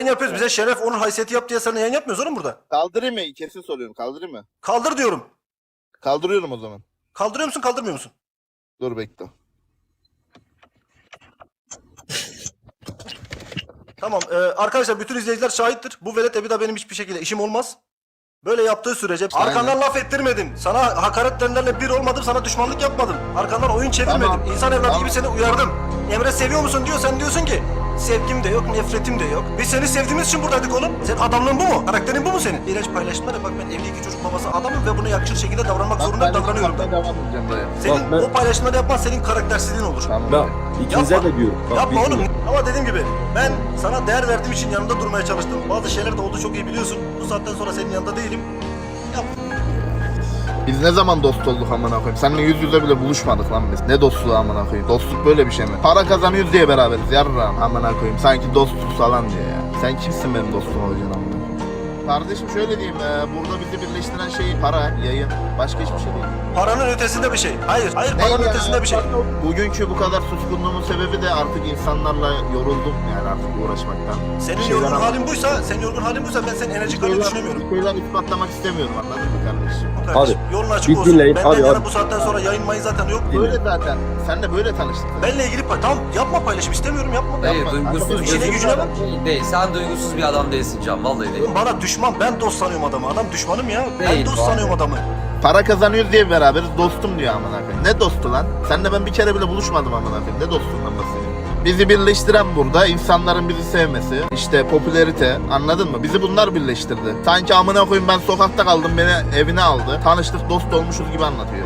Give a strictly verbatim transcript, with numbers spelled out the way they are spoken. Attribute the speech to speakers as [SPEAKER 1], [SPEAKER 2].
[SPEAKER 1] yapıyoruz. Bize şeref, onur, haysiyeti yap diye sana yayın yapmıyoruz oğlum burada.
[SPEAKER 2] Kaldırayım mı? Kesin soruyorum. Kaldırayım mı?
[SPEAKER 1] Kaldır diyorum.
[SPEAKER 2] Kaldırıyorum o zaman.
[SPEAKER 1] Kaldırıyor musun, kaldırmıyor musun?
[SPEAKER 2] Dur bekle.
[SPEAKER 1] Tamam. E, arkadaşlar bütün izleyiciler şahittir. Bu velet bir daha benim hiçbir şekilde işim olmaz. Böyle yaptığı sürece
[SPEAKER 2] Aynen.
[SPEAKER 1] arkandan laf ettirmedim. Sana hakaretlerle bir olmadım, sana düşmanlık yapmadım. Arkandan oyun çevirmedim.
[SPEAKER 2] Tamam.
[SPEAKER 1] İnsan evladı
[SPEAKER 2] Tamam.
[SPEAKER 1] gibi seni uyardım. Emre seviyor musun diyor, sen diyorsun ki sevgim de yok, nefretim de yok. Biz seni sevdiğimiz için buradaydık oğlum. Senin adamlığın bu mu? Karakterin bu mu senin? İğrenç paylaşımlar ya, bak ben evli iki çocuk babası adamım ve buna yakışır şekilde davranmak
[SPEAKER 2] Bak,
[SPEAKER 1] zorunda
[SPEAKER 2] ben
[SPEAKER 1] davranıyorum.
[SPEAKER 2] ben devam edeceğim dayı.
[SPEAKER 1] Senin
[SPEAKER 3] Bak ben-
[SPEAKER 1] o paylaşımları yapman senin karaktersizliğin olur.
[SPEAKER 2] Tamam.
[SPEAKER 3] Bak ikinize
[SPEAKER 1] Yapma.
[SPEAKER 3] de diyorum. Bak,
[SPEAKER 1] Yapma
[SPEAKER 3] bilmiyorum.
[SPEAKER 1] oğlum. Ama dediğim gibi ben sana değer verdiğim için yanında durmaya çalıştım. Bazı şeyler de oldu, çok iyi biliyorsun. Bu saatten sonra senin yanında değilim. Yap.
[SPEAKER 2] Biz ne zaman dost olduk amına koyayım? Seninle yüz yüze bile buluşmadık lan biz. Ne dostluğu amına koyayım? Dostluk böyle bir şey mi? Para kazanıyoruz diye beraberiz yarram amına koyayım. Sanki dostluk falan diye ya. Sen kimsin benim dostum olacaksın amına koyayım? Kardeşim şöyle diyeyim, e, burada bizi birleştiren şey para, yayın. Başka hiçbir şey değil.
[SPEAKER 1] Paranın ötesinde bir şey. Hayır, hayır
[SPEAKER 2] Ne
[SPEAKER 1] paranın
[SPEAKER 2] ya?
[SPEAKER 1] ötesinde bir şey.
[SPEAKER 2] Bugünkü bu kadar suskunluğumun sebebi de artık insanlarla yoruldum yani artık uğraşmaktan.
[SPEAKER 1] Senin
[SPEAKER 2] Bir şeyler
[SPEAKER 1] yorgun
[SPEAKER 2] ama-
[SPEAKER 1] halin buysa, senin yorgun halin buysa ben senin enerjik halini düşünemiyorum.
[SPEAKER 2] Bir şeyler ispatlamak istemiyorum, anladın mı kardeşim?
[SPEAKER 1] Kardeşim, yolun açık
[SPEAKER 3] biz
[SPEAKER 1] olsun.
[SPEAKER 3] dinleyin,
[SPEAKER 1] Benden
[SPEAKER 3] hadi,
[SPEAKER 1] yana
[SPEAKER 3] hadi.
[SPEAKER 1] bu saatten sonra yayın mayın zaten yok.
[SPEAKER 2] Böyle zaten. Senle böyle tanıştık.
[SPEAKER 1] Benle ilgili pay... Tamam yapma, paylaşım istemiyorum, yapma.
[SPEAKER 4] Hayır,
[SPEAKER 2] Yapma.
[SPEAKER 4] duygusuz
[SPEAKER 1] İşine
[SPEAKER 4] bir
[SPEAKER 1] gücüne bak.
[SPEAKER 4] adam değil. Sen duygusuz bir adam değilsin Can, vallahi değil.
[SPEAKER 1] Bana düşman, ben dost sanıyorum adamı. Adam düşmanım ya. Ben
[SPEAKER 4] Değil,
[SPEAKER 1] dost
[SPEAKER 4] vallahi.
[SPEAKER 1] sanıyorum adamı.
[SPEAKER 2] Para kazanıyoruz diye beraberiz, dostum diyor amına koyayım. Ne dostu lan? Seninle ben bir kere bile buluşmadım amına koyayım. Ne dostluğundan bahsediyorsun? Bizi birleştiren burada insanların bizi sevmesi, işte popülerite, anladın mı? Bizi bunlar birleştirdi. Sanki amına koyayım ben sokakta kaldım, beni evine aldı. Tanıştık, dost olmuşuz gibi anlatıyor.